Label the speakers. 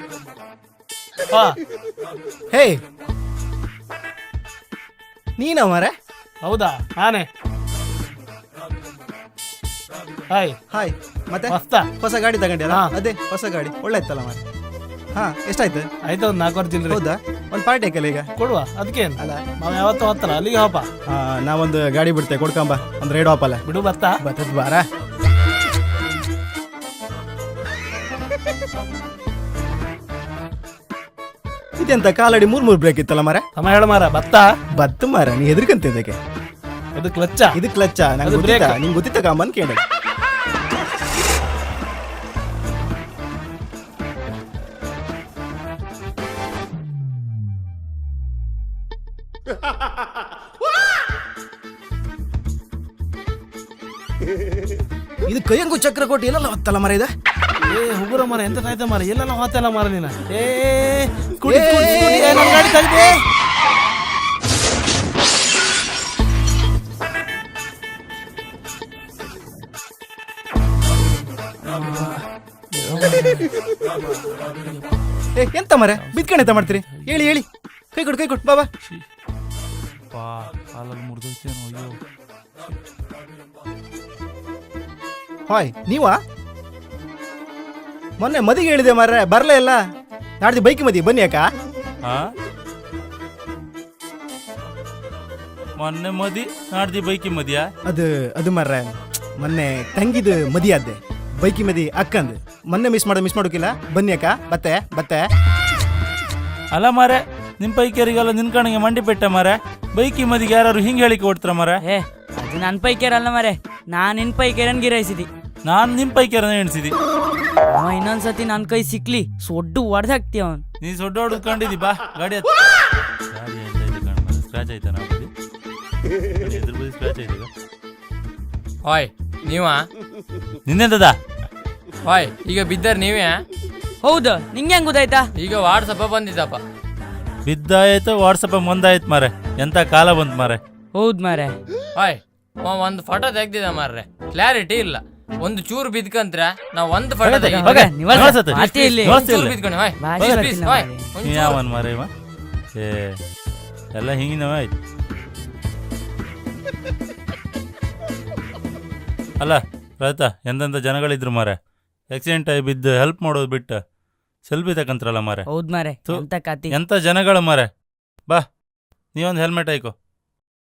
Speaker 1: ಹೇ ನೀನ ಮಾರೆ?
Speaker 2: ಹೌದಾ, ನಾನೇ. Hi
Speaker 1: hi. ಮತ್ತೆ
Speaker 2: ಮಸ್ತ
Speaker 1: ಹೊಸ ಗಾಡಿ ತಗೊಂಡ್ಯಲ್ಲ?
Speaker 2: ಹಾ.
Speaker 1: ಅದೇ ಹೊಸ ಗಾಡಿ ಒಳ್ಳೆ ಇತ್ತಲ್ಲ ಮಾರೆ. ಹಾ, ಎಷ್ಟಾಯ್ತು?
Speaker 2: ಆಯ್ತು, ಒಂದು 4 ಚಿಲ್ಲರೆ.
Speaker 1: ಹೌದಾ? ಒಂದು ಪಾರ್ಟಿ ಹಾಕಲ್ಲ ಈಗ?
Speaker 2: ಕೊಡುವ, ಅದಕ್ಕೇನು,
Speaker 1: ಅಲ್ಲ
Speaker 2: ನಾವು ಯಾವತ್ತೂ ಹೋಗ್ತಲ್ಲ ಅಲ್ಲಿಗೆ ಹೋಪ.
Speaker 1: ನಾವೊಂದು ಗಾಡಿ ಬಿಡ್ತೆ, ಕೊಡ್ಕೊಂಬ ಒಂದು ರೈಡ್ ಆಪಲ್ಲ.
Speaker 2: ಬಿಡು ಬತ್ತ.
Speaker 1: ಬರ್ತದ ಬಾರ. ಇದೆಂತ ಕಾಲಡಿ 3 ಬ್ರೇಕ್ ಇತ್ತಲ್ಲ ಮಾರ?
Speaker 2: ಸಮ ಹೇಳ ಮಾರ. ಬತ್ತ.
Speaker 1: ಬತ್ತು ಮಾರ, ನೀ ಹೆದರ್ಕಂತ ಇದಕ್ಕೆ.
Speaker 2: ಇದು ಕ್ಲಚ್ಚ.
Speaker 1: ಇದು ಕ್ಲಚ್ಚ. ನಂಗೆ
Speaker 2: ಅದು
Speaker 1: ಗೊತ್ತಿತ್ತ,
Speaker 2: brake.
Speaker 1: ನಿಂಗೆ ಗೊತ್ತಿತ್ತ ಕಾಮನ್ ಕೇಳ. ಇದು ಕೈಯಂಗು ಚಕ್ರ ಕೊಟ್ಟು ಎಲ್ಲ ಹೊತ್ತಲ್ಲ ಮರ ಇದು.
Speaker 2: ಏ ಹುಗುರ ಮರ, ಎಂತ ಕಾಯ್ತ ಮರ, ಎಲ್ಲೆಲ್ಲ ಹೋತಲ್ಲ ಮರ ನೀನ. ಕುಡಿ ಕುಡಿ ಕುಡಿ, ನನ್ನ ಗಾಡಿ ತೆಗ್ದೆ.
Speaker 1: ಎಂತ ಮರ ಬಿದ್ಕಣೆ ಎಂತ ಮಾಡ್ತೀರಿ? ಹೇಳಿ ಹೇಳಿ, ಕೈ ಕೊಡು ಬಾಬಾ. ಹಾಯ್, ನೀವಾ? ಮೊನ್ನೆ ಮದಿಗೆ ಹೇಳಿದೆ ಮಾರ್ರೆ, ಬರಲೇ ಇಲ್ಲ. ನಾಡ್ದು ಬೈಕ್ ಮದಿ ಬನ್ನಿ ಅಕ್ಕ.
Speaker 3: ಮೊನ್ನೆ ಮದಿ, ನಾಡ್ದಿ ಬೈಕಿ ಮದಿಯಾ?
Speaker 1: ಅದು ಮಾರ್ರೆ, ಮೊನ್ನೆ ತಂಗಿದು ಮದಿ ಆದ್ದೆ, ಬೈಕಿ ಮದಿ ಅಕ್ಕಂದು. ಮೊನ್ನೆ ಮಿಸ್ ಮಾಡೋಕಿಲ್ಲ. ಬನ್ನಿ ಅಕ್ಕ, ಬತ್ತೆ.
Speaker 3: ಅಲ್ಲ ಮಾರೆ, ನಿಮ್ ಪೈಕಿಯರಿಗೆಲ್ಲ ನಿನ್ ಕಣಿಗೆ ಮಂಡಿ ಪೆಟ್ಟ ಮಾರೆ. ಬೈಕಿ ಮದಿಗೆ ಯಾರು ಹಿಂಗ್ ಹೇಳಿಕೆ ಕೊಡ್ತಾರ ಮಾರೆ?
Speaker 4: ಅದು ನನ್ನ ಪೈಕೇರ್ ಅಲ್ಲ ಮಾರೆ, ನಾನು ನಿನ್ ಪೈಕೇರನ್ ಗಿರಾಯಿಸಿದಿ.
Speaker 3: ನಾನ್ ನಿಮ್ ಪೈಕಿಯರನ್ನ ಎಣಿಸಿದಿ.
Speaker 4: ಇನ್ನೊಂದ್ಸತಿ ನನ್ ಕೈ ಸಿಕ್ಲಿ ಸೊಡ್ಡು ಹೊಡೆದಾಕ್ತಿ ಅವನ್.
Speaker 3: ನೀ ಸೊಡ್ಡ ಹೊಡ್ಕೊಂಡಿದ್ದಿ, ಬಾ ಗಾಡಿ ಸ್ಕ್ರಾಚ್ ಆಯ್ತಾ? ನಾ ಬದಿ ಎದುರು ಬದಿ ಸ್ಕ್ರಾಚ್ ಆಯ್ತು.
Speaker 5: ಹಾಯ್, ನೀವಾ?
Speaker 3: ನಿನ್ನೆಂತದ?
Speaker 5: ಹಾಯ್, ಈಗ ಬಿದ್ದರ್ ನೀವೇ?
Speaker 4: ಹೌದು, ನಿಂಗೆ ಹೆಂಗ್ ಗೊತ್ತಾಯ್ತಾ?
Speaker 5: ಈಗ ವಾಟ್ಸಪ್ಪ ಬಂದಿದ್ದಪ್ಪ.
Speaker 3: ಬಿದ್ದಾಯ್ತು, ವಾಟ್ಸಪ್ ಮುಂದಾಯ್ತು ಮಾರೆ. ಎಂತ ಕಾಲ ಬಂತು ಮಾರೆ.
Speaker 4: ಹೌದ್ ಮಾರೆ.
Speaker 5: ಹಾಯ್, ಒಂದು ಫೋಟೋ ತೆಗ್ದಿದ ಮಾರ್ರೆ, ಕ್ಲಾರಿಟಿ ಇಲ್ಲ. ಒಂದು ಚೂರು ಬಿದ್ಕಂತ್ರ ನಾವ್ ಒಂದು ಫೋಟೋ
Speaker 3: ಯಾವನ್ ಮಾರೆ ಇವ? ಎಲ್ಲ ಹಿಂಗಿನವ ಆಯ್ತು. ಅಲ್ಲ ರೈತ, ಎಂತೆಂತ ಜನಗಳಿದ್ರು ಮಾರೆ. ಆಕ್ಸಿಡೆಂಟ್ ಆಗಿ ಬಿದ್ದು ಹೆಲ್ಪ್ ಮಾಡೋದು ಬಿಟ್ಟು ಸೆಲ್ಫಿ ತಕಂತ್ರಲ್ಲ ಮಾರೆ.
Speaker 4: ಹೌದ್ ಮಾರೆ, ಎಂತ ಕತಿ.
Speaker 3: ಎಂತ ಜನಗಳು ಮಾರೆ. ಬಾ, ನೀವೊಂದು ಹೆಲ್ಮೆಟ್ ಹಾಕೋ.